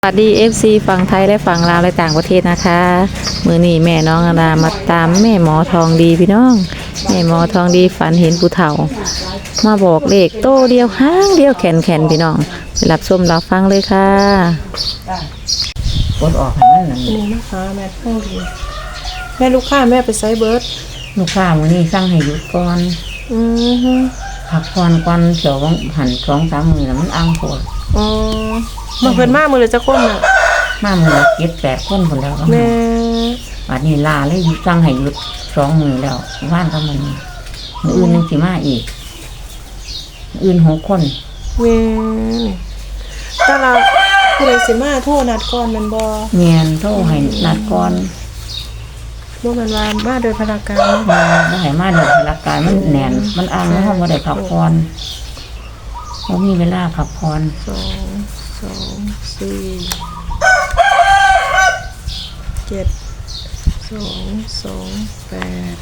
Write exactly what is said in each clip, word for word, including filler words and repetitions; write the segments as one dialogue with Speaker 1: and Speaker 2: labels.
Speaker 1: สวัสดี เอฟ ซี ฝั่งไทยและฝั่งลาวและต่างประเทศนะคะมือนี้แม่น้องอดามาตามแม่หมอทองดีพี่น้องแม่หมอทองดีฝันเห็นผู้เฒ่ามาบอกเลขโตเดียวห้างเดียวแขนแขนพี่น้องไปรับชมรับฟังเลยค่ะกดออกให้มันนั่น
Speaker 2: นี่นะคะแม่ทองดีแม่ลูกค้าแม่ไปไซเบิร์ด
Speaker 1: ลูกค้ามื้อนี้สั่งให้หยุดก่อน
Speaker 2: อือฮึ
Speaker 1: พักผ่อนก่อนเดี๋ยวหันสองสามมื้อแล้วมันอังโพด
Speaker 2: อ๋อมาเพิ่นมามื้อละจักคนน่ะ
Speaker 1: มามื้อละเจ็ดแปดคนพุ่นแล้วก็
Speaker 2: แม่
Speaker 1: บัดนี้ลาเลยหยุดสั่งให้หยุดสองมื้อแล้วว่านก็มันมื้ออื่นนึงสิมาอีกมื้ออื่นหกคน
Speaker 2: แม่นี่แต่ละผู้ใดสิมาโทรนัดก่อนแม่นบ่
Speaker 1: เมียนโทรให้นัดก่อน
Speaker 2: บ่แม่นว่ามาโดยพนักงาน
Speaker 1: มาบ่ให้มาเดี๋ยวพลักกายมันแน่นมันอ้างแล้วเฮาบ่ได้พักผ่อนบ่มีเวลาพักผ่อน
Speaker 2: สองสองสี่เจ็ดสองสองแปด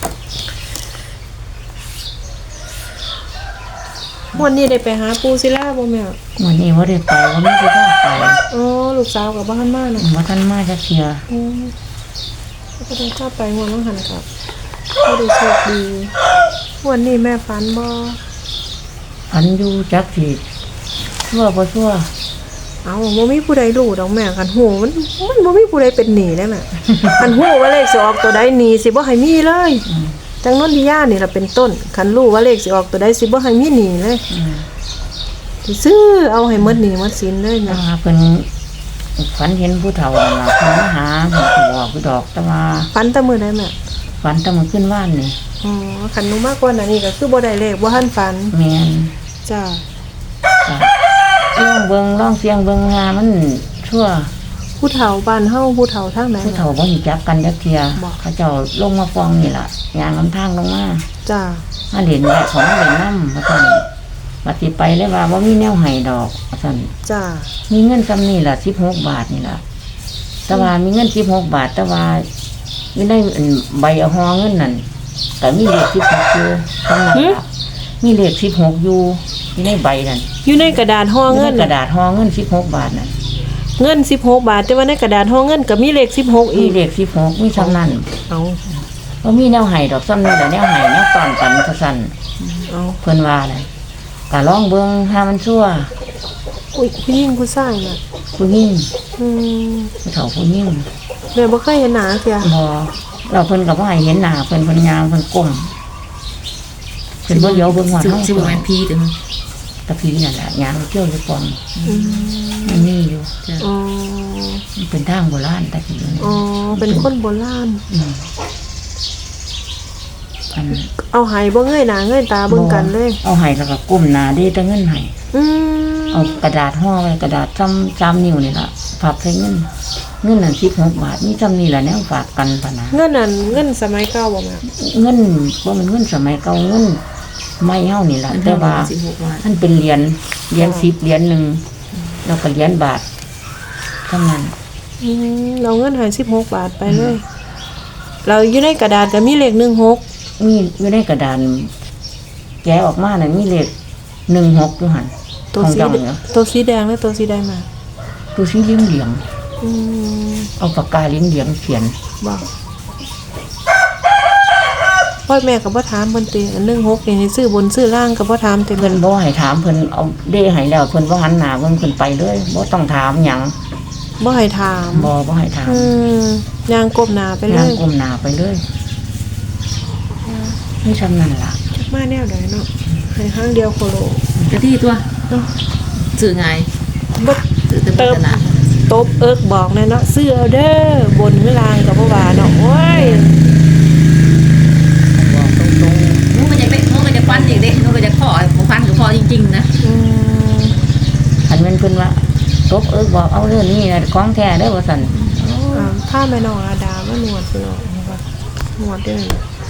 Speaker 2: วันนี้ได้ไปหาปูศิลาบ่แม่
Speaker 1: วันนี้บ่ได้ไปบ่มีที่พาไป
Speaker 2: อ๋อลูกสาวกับบ้านมาน่ะ
Speaker 1: บ่ทันมาจักเที่ย
Speaker 2: อืมก็ต้องเข้าไปหัวน้องหันกับก็ได้โชคดีวันนี้แม่ฝันบ่
Speaker 1: อันอยู่จักสิชั่วบ่ชั่ว
Speaker 2: เอาบ่มีผู้ใดรู้ดอกแม่คันหูมันมันบ่มีผู้ใดเป็นหนี้ได้แม่ คันหูว่าเลขสิออกตัวใดหนี้สิบ่ให้มีเลยจังนนทิยานี่ล่ะเป็นต้นคันรู้ว่าเลขสิออกตัวใดสิบ่ให้มีหนี้เลย
Speaker 1: อืม
Speaker 2: สิซื้อเอาให้หมดหนี้หมดสินเลย
Speaker 1: แต่
Speaker 2: นะ
Speaker 1: ว่าเพิ่นฝันเห็นผู้เฒ่านั่นล่ะเพิ่นมาหาเพิ่นก็บอกผู้ดอกแต่ว่า
Speaker 2: ฝันแต่มื้อใดแม่
Speaker 1: ฝันแต่มื้อขึ้นว่านนี่
Speaker 2: อ๋อคันหนูมากกว่านั้นนี่ก็คือบ่ได้เลขบ่ทันฝัน
Speaker 1: แม่น
Speaker 2: จ้า
Speaker 1: จ้ะลองเบิ่งลองเสียงเบิ่งหามันชั่ว
Speaker 2: ผู้เฒ่าบ้านเฮาผู้เฒ่าทางไหน
Speaker 1: ผู้เฒ่าบ่รู้จักกันจักเที่ย
Speaker 2: บอก
Speaker 1: เขาเจ้าลงมาฟ้องนี่ล่ะย่างลำทางลงมา
Speaker 2: จ้า
Speaker 1: มาเห็นแหละของมาเล่นน้ำว่าซั่นบัดสิไปเลยว่าบ่มีแนวให้ดอกว่าซั่น
Speaker 2: จ้า
Speaker 1: มีเงินซำนี้ล่ะสิบหกบาทนี่ล่ะแต่ว่ามีเงินสิบหกบาทแต่ว่าไม่ได้อันใบเอาห่อเงินนั่นก็มีเลขสิบหกอยู่ข้างหน้าล่ะมีเลขสิบหกอยู่อยู่ในใบนั่น
Speaker 2: อยู่ในกระดาษห่อ
Speaker 1: อยู่
Speaker 2: เงิ
Speaker 1: ใน
Speaker 2: น
Speaker 1: กระดาษห่อเงินสิบหกบาทน่ะ
Speaker 2: เงินสิบหกบาทแต่ว่าในกระดาษห่อเงินก็มีเลขสิบหก
Speaker 1: มี
Speaker 2: อีก
Speaker 1: เลขสิบหกมีซำนั้น
Speaker 2: เอา
Speaker 1: บ่มีแนวให้ดอกซ้ำนี้แหละแนวให้แนวตอนกันซะซั่น
Speaker 2: เอา
Speaker 1: เพิ่นว่าเลยก็ลองเบิ่งหามันชั่ว
Speaker 2: อุ้ยผู้หญิงผู้ชายน่ะ
Speaker 1: ผู้หญิง
Speaker 2: อืม
Speaker 1: ผู้เฒ่าผู้หญิง
Speaker 2: แม่บ่เคยเห็นหน้าเสีย
Speaker 1: บ่เราเพิ่นก็บ่ให้เห็นหน้าเพิ่นเพิ่นยางเพิ่นก้มเพิ่นบ่เลี้ยวเบิ่งหัวเฮา
Speaker 3: สิบ่แม่นผีถึง
Speaker 1: ตะพีนั่นแหละยางเที่ยวอยู่ปอง
Speaker 2: อืม
Speaker 1: มันมีอยู่
Speaker 2: อ๋อ
Speaker 1: มันเป็นทางโบราณตะกี้
Speaker 2: อ๋อเป็นคนโบราณ
Speaker 1: อืมอัน
Speaker 2: เอาไหบ่เงยหน้าเงยตาเบิ่งกันเลย
Speaker 1: เอาให้แล้วก็ก้มหน้าดีแต่เงินให้
Speaker 2: อืม
Speaker 1: เอากระดาษห่อไว้กระดาษซ้ำซ้ำนิ้วนี่ล่ะฝากใส่เงินเงินนั่นสิบหกบาทมีซ้ำนี่ล่ะแนวฝากกันพะนะ
Speaker 2: เงินนั่นเงินสมัยเก่าบ่แม่
Speaker 1: เงินบ่แมันเงินสมัยเก่าเงินไม่เฮานี่ล่ะแต่ว่า
Speaker 3: สิบหกบาท
Speaker 1: มันเป็นเหรียญเหรียญสิบเหรียญหนึ่งแล้วก็เหรียญบาทเท่านั้น
Speaker 2: อืมเราเงินให้สิบหกบาทไปเลย เราอยู่ในกระดาษก็มีเลขหนึ่งหก
Speaker 1: มีอยู่ในกระดานแกะออกมาน่ะมีเลขหนึ่งหกอยู่หั่น
Speaker 2: ตัว
Speaker 1: ของ
Speaker 2: สี
Speaker 1: เจ้าเนี่ย
Speaker 2: ตัวสีแดงและตัวสีแดงมา
Speaker 1: ดูสีเหลืองเหลือง
Speaker 2: อืม
Speaker 1: ๆเอาปากกาเหลืองเหลืองๆเขียน
Speaker 2: บอกพ่อแม่กับพ่อถามเพิ่นติอันหนึ่งหกนี่ให้ซื้อบนซื้อล่างกับพ่อถามเต็ม
Speaker 1: เพิ่นบ่ให้ถามเพิ่นเอาเด้ให้แล้วเพิ่นบ่หันหน้าเพิ่นเพิ่นไปเลยบ่ต้องถามหยัง
Speaker 2: บ่ให้ถาม
Speaker 1: บ่บ่ให้ถาม
Speaker 2: อืมยางกบหนาไปเล
Speaker 1: ย่าง
Speaker 2: ย
Speaker 1: ก้มหน้าไปเลยนี่ซำนั้นล่ะ
Speaker 2: จักมาแนวใดเนาะให้ห้างเดียวโคโล
Speaker 3: จะที่ตัว
Speaker 2: เนาะ
Speaker 3: สื่อไง
Speaker 2: บ่
Speaker 3: สื่อเต็ม
Speaker 2: เติบ
Speaker 3: ตลาด
Speaker 2: ตบเอิกบอกแน่เนาะซื้อเอาเด้อบนหรือล่างก็บ่ว่าเนาะโอ้ย
Speaker 1: บอกตรง
Speaker 3: นู้นก็จะไปนู้นก็จะฟันอีกเด้นู้นก็จะขอผมฟันกับพอจริงๆนะ
Speaker 2: อืม
Speaker 1: ๆคันแม่นเพิ่นว่าตบเอิกบอกเอาเรื่องนี้น่ะของแท้เด้อว่าซั่น
Speaker 2: อ่าถ้าแม่น้องอาดาว่านวดพี่น้องเห็นปะนวดเด้อ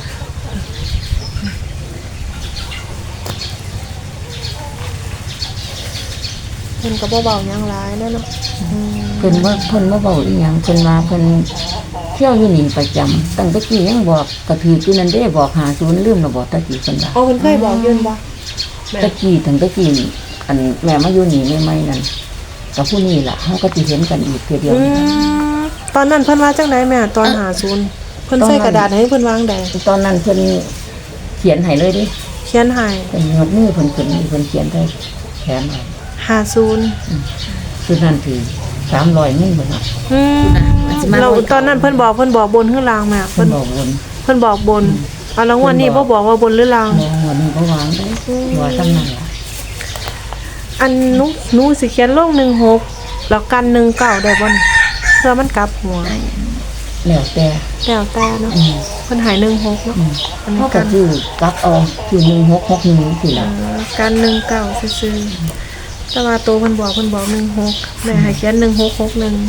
Speaker 2: เพิ่นก็บ่เบาหยังหลายแล้วเนาะอืม
Speaker 1: เพิ่นว่าเพิ่นบ่เว้าอีหยังเพิ่นว่าเพิ่นเที่ยวอยู่นี่ประจำตั้งแต่กี้ยังบอกกระถืออยู่นั่นเด้บอกหาศูนย์ลืมแล้วบอกตะกี้เพิ่นว่า
Speaker 2: อ๋อเพิ่นเคยบอกยืนบ่แม่
Speaker 1: ตะกี้ตั้งแต่กี้อันแม่มาอยู่นี่ใหม่ๆนั่น
Speaker 4: กับผู้นี้ล่ะเขาก็จะเห็นกันอีกเทีเดียว
Speaker 2: อืมตอนนั้นเพิ่นว่าจังไดแม่ตอนหาศูนย์เพิ่นใส่กระดาษให้เพิ่นวางใด
Speaker 4: ตอนนั้นเพิ่นเขียนให้เลยดิ
Speaker 2: เขียนให้
Speaker 4: เป็นยกมือเพิ่นขึ้นเพิ่นเขียนได้แขนให้
Speaker 2: หาศูนย์
Speaker 4: คือนั่นคือสามร้อยนึ่งเพิ่นน่ะ
Speaker 2: อืมเราตอนนั้นเพิ่นบอกเพิ่นบอกบนข้างล่างแม่
Speaker 4: เพิ่
Speaker 2: เพิ่
Speaker 4: น
Speaker 2: น
Speaker 4: บอกวน
Speaker 2: เพิ่นบอกบนเอาแล้วงวันนี้บ่บอกว่าบนหรือล่าง
Speaker 4: มองวันนี้ก็วางได้ว่าทำนั่นล่ะ
Speaker 2: อันหนูหนูสิเขียนลงหนึ่งหกแล้วกันหนึ่งเก้าได้บ่นี่เพื่อมันกลับหัว
Speaker 4: แล้วแต่
Speaker 2: แล้วแต่เนาะเพิ่นใหายหนึ่งหกเนาะอันนี้
Speaker 4: เขา
Speaker 2: กั
Speaker 4: ก็
Speaker 2: น
Speaker 4: คือกลับเอาคือหนึ่งหกหกหนึ่งสิล่ะ
Speaker 2: เอ่อกันหนึ่งเก้าซื่อๆแต่ว่าโตเพิ่นบอกเพิ่นบอกหนึ่งหกแม่ให้เขียนหนึ่งหกหกหนึ่ง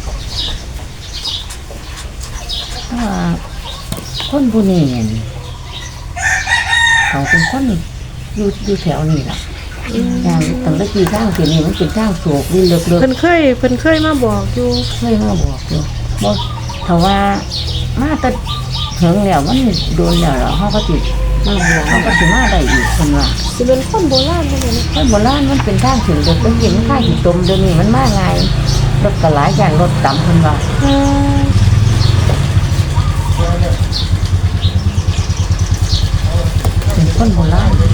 Speaker 4: เพราะว่าคนผู้นี้เนี่ยเขาเป็นคนอยู่อยู่แถวนี้ล่ะอย่างตั้งแต่กี่ทางเสียนี่มันเป็นทางโศกนี่เลิกเลิก
Speaker 2: เพิ่นเคยเพิ่นเคยมาบอกอยู่
Speaker 4: เคยมาบอกอยู่บ่ถ้าว่ามาแต่ถึงแล้วมันโดนแล้วเหรอเขาก็ติดมาบอกเขาก็สิมาได้อีกคนว่า
Speaker 2: สิเป็นคนโบราณบ่แม่น
Speaker 4: คนโบราณมันเป็นทางถึงเด็กต้องกินข้าวหิตมเดี๋ยวนี้มันมาไงรถกระหลายอย่างรถต่ำคนว่า
Speaker 2: อืม
Speaker 4: เป็นคนโบราณ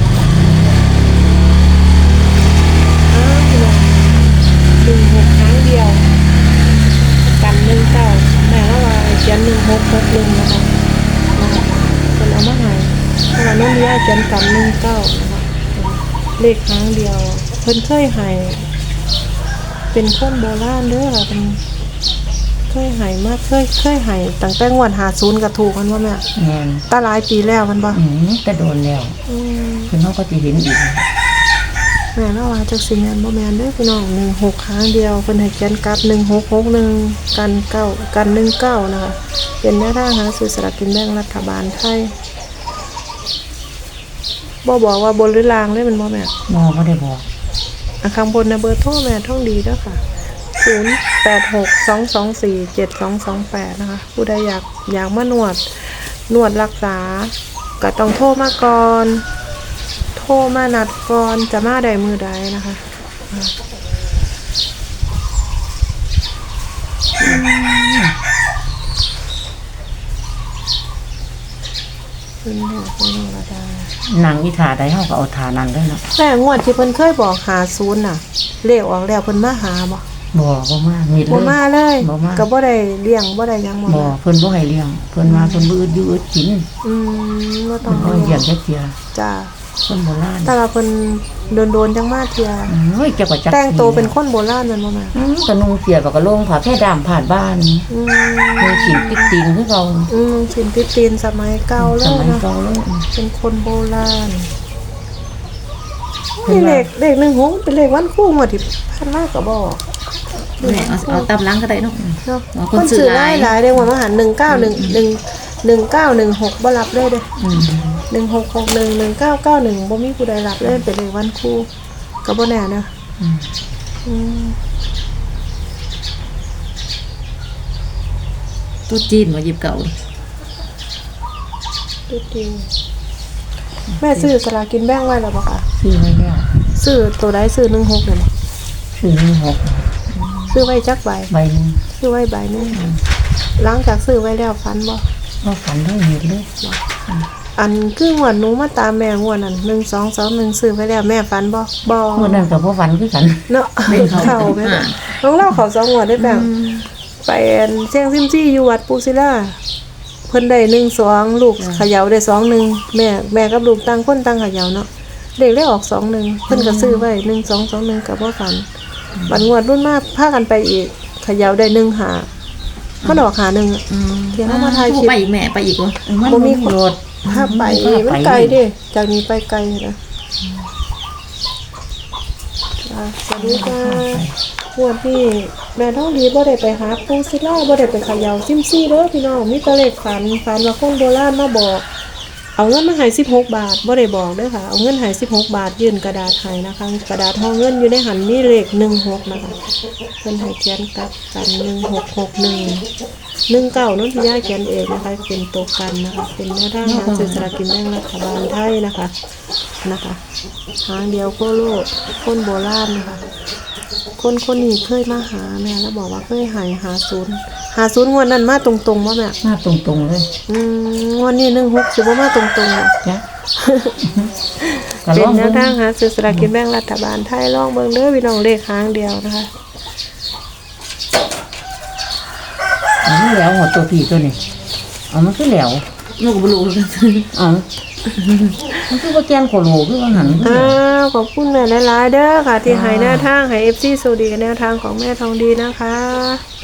Speaker 2: อ้าวพี่น้องหนึ่งหกครั้งเดียวกันหนึ่งเก้าแม่ละว่าให้เขียนหนึ่งหกหกหนึ่งนะคะนะคะเพิ่นเอามาให้เพราะว่าน้องมียาเขียนกันหนึ่งเก้านะคะเลขครั้งเดียว เพิ่นเคยให้เป็นคนโบราณเด้อค่ะเป็นเคยให้มาเคยเคยให้ตั้งแต่งวดหาศูนย์ก็ถูกมันว่าแม่
Speaker 4: แม่น
Speaker 2: ตาหลายปีแล้วมันบ่
Speaker 4: อืมแต่โดนแล้ว
Speaker 2: อืม
Speaker 4: คือเขาก็จะเห็นอีก
Speaker 2: แม่ละว่าจักสิแม่นบ่แม่นเด้อพี่น้องหนึ่งหกครั้งเดียวเพิ่นให้เขียนกลับหนึ่งหกหกหนึ่งกันเก้ากันหนึ่งเก้านะคะเป็นแนวทางหาซื้อสลากกินแบ่งรัฐบาลไทยบ่บอกว่าบนหรือล่างเลยมันบ่แม่
Speaker 4: หมอไม่ได้บอก
Speaker 2: อ่ะข้างบนนะเบอร์โทรแม่ท่องดีเด้อค่ะศูนย์แปดหกสองสองสี่เจ็ดสองสองแปดนะคะผู้ใดอยากอยากมานวดนวดรักษาก็ต้องโทรมาก่อนโทรมานัดก่อนจะมาได้มือใดนะคะอ่ะคุณแม่คุณนรดา
Speaker 4: นางอีถาได้เขาก็เอาทานั้นได้เนาะ
Speaker 2: แม่งวดที่เพิ่นเคยบอกหาศูนย์น่ะเลขออกแล้วเพิ่นมาหาบ่
Speaker 4: บ่บ่มามีดเล
Speaker 2: บ่
Speaker 4: ย
Speaker 2: มาเลย
Speaker 4: บ่มา
Speaker 2: ก็บ่ได้เลี้ยงบ่ได้หยังบ่
Speaker 4: บ่เพิ่นบ่ให้เลี้ยงเพิ่นมาเพิ่นบ่อึดอยู่อึดกิน
Speaker 2: อืมบ่ต้
Speaker 4: เพิ่
Speaker 2: อน ง
Speaker 4: บ่ให้เลี้ยงจักเที่ย
Speaker 2: จ้า
Speaker 4: คนโบราณ
Speaker 2: แต่ว่าเพิ่นโดนๆจังมาเที่ย
Speaker 4: เฮ้ยจักว่าจัก
Speaker 2: แต่งตัวเป็นคนโบราณแม่นบ่แม่
Speaker 4: อืมก็นุ่งเสียกับกระโลงผ้าแพร่ดำผ่านบ้าน
Speaker 2: อืม
Speaker 4: มีขินติ๊กตีนคือเรา
Speaker 2: อืมสินติตีนสมัยเก่าเล
Speaker 4: ส
Speaker 2: ย
Speaker 4: มัย
Speaker 2: นะ
Speaker 4: เก่าเลย
Speaker 2: เป็นคนโบราณนี่เลขเลขหนึ่งหกเป็นเลขวันคู่หมดที่พันมากก็บอก
Speaker 3: แม่เอาเอาตามหล้างก็ได้เนาะ
Speaker 2: เนาะ
Speaker 3: อ๋อ
Speaker 2: ค
Speaker 3: คน
Speaker 2: น
Speaker 3: ซื้
Speaker 2: ซื้
Speaker 3: อ
Speaker 2: อ
Speaker 3: ห
Speaker 2: ห
Speaker 3: ลา
Speaker 2: ลาย ยหลายได้ว่ามาหันหนึ่งเก้าหนึ่งหนึ่งหนึ่งเก้าหนึ่งหกบ่รับเลยเด้อ
Speaker 4: อืม
Speaker 2: หนึ่งหกหกหนึ่งหนึ่งเก้าเก้าหนึ่งบ่มีผู้ใดรับเลยเป็นเลขวันคู่ก็บ่แน่นะ
Speaker 4: อืม
Speaker 2: อืม
Speaker 3: ตู้จีนมาหยิบเก่าดิ
Speaker 2: ดูดีแม่ซื้อสลากกินแบ่งไว้แล้วบ่คะ
Speaker 4: ซื้อไว้แล้ว
Speaker 2: ซื้อตัวใดซื้อหนึ่งหกเนี่ยบ่
Speaker 4: ซื้อหนึ่งหก
Speaker 2: ซื้อไว้จักใบ
Speaker 4: ใบหนึง
Speaker 2: ซื้อไว้ใบหนึงหลังจากซื้อไว้แล้วฟันบ่
Speaker 4: ก็ฝันเท่าเห็นเลย
Speaker 2: อันคืองวดหนูมาตามแม่งวดนั้นหนึ่งสองสองหนึ่งซื้อไว้แล้วแม่ฟันบ่บ่
Speaker 4: เมื่อนั้นกับพ่อฝันคือกัน
Speaker 2: เนาะเข้าแม่นบ่น้องเล่าเขาสองงวดได้แบ่งไปอันเสียงซิมซี่อยู่วัดปูศิลาเพิ่นได้หนึ่งสองลูกเขย่าได้สองหนึ่งแม่แม่กับลูกต่างคนต่างเขย่าเนาะเด็กได้ออกสองหนึ่งเพิ่นก็ซื้อไว้หนึ่งสองสองหนึ่งกับบ่ฝันบัดงวดรุ่นมากพากันไปอีกเขย่าได้หนึ่งหามันออกหาหนึ่งอะ
Speaker 3: อืม
Speaker 2: เดี๋ยวเอามาถ่ายคลิป
Speaker 3: ไปอีกแม่ไปอีกวะ
Speaker 4: มัน
Speaker 2: บ่
Speaker 4: บ่
Speaker 2: มี
Speaker 4: มี
Speaker 2: คน
Speaker 4: รถ
Speaker 2: ถ้าไปมันไกลเด้จากนี้ไปไกลนะอ่ะสวัสดีค่ะงวดที่แม่ท้องดีบ่ได้ไปหาปูศิลาบ่ได้ไปเขย่าซิมซี่เด้อพี่น้องมีแต่เลขฝันฝันว่าคนโบราณมาบอก เอาเงินมาให้สิบหกบาทบ่ได้บอกเด้อค่ะ เอาเงินให้สิบหกบาทยื่นกระดาษให้นะคะ กระดาษห่อเงินอยู่ในหันมีเลขหนึ่งหกนะคะเพิ่นให้เขียนกลับกันหนึ่งหกหกหนึ่งหนึ่งเก้านั่นที่ย่าเขียนเองนะคะ เป็นตัวกันนะคะ เป็นแนวทางหาซื้อสลากกินแบ่งรัฐบาลไทยนะคะนะคะทางเดียวโคโลกคนโบราณนะคะคนคนนี้เคยมาหาแม่แล้วบอกว่าเคยใหายหาศูนย์หาศูนย์งวดนั้นมาตรงๆว่าแม่
Speaker 4: มาตรงๆเลย
Speaker 2: อืมงวดนี้หนึ่งหกสิบ่มาตรงๆอ่ะ
Speaker 4: จ้ะ ก็
Speaker 2: เป็
Speaker 4: ล
Speaker 2: น
Speaker 4: อง
Speaker 2: แน
Speaker 4: เบิ่
Speaker 2: ว
Speaker 4: ง
Speaker 2: ทางหาซื้อสลากกินแบ่งรัฐบาลไทยลองเบิ่งเด้อพี่น้องเลขหางเดียวนะคะ
Speaker 4: อันนี้แล้วหัวตัวผีตัวนี้เอามันคือแหลว
Speaker 3: หนูก็บ่รู้คือกัน
Speaker 4: เอามันคือว่าแกนโคโลคือว่าหัน
Speaker 2: อ้าวขอบคุณแม่หลายๆเด้อค่ะ ที่ให้แนวทางให้ เอฟ ซี สวัสดีกับแนวทางของแม่ทองดีนะคะ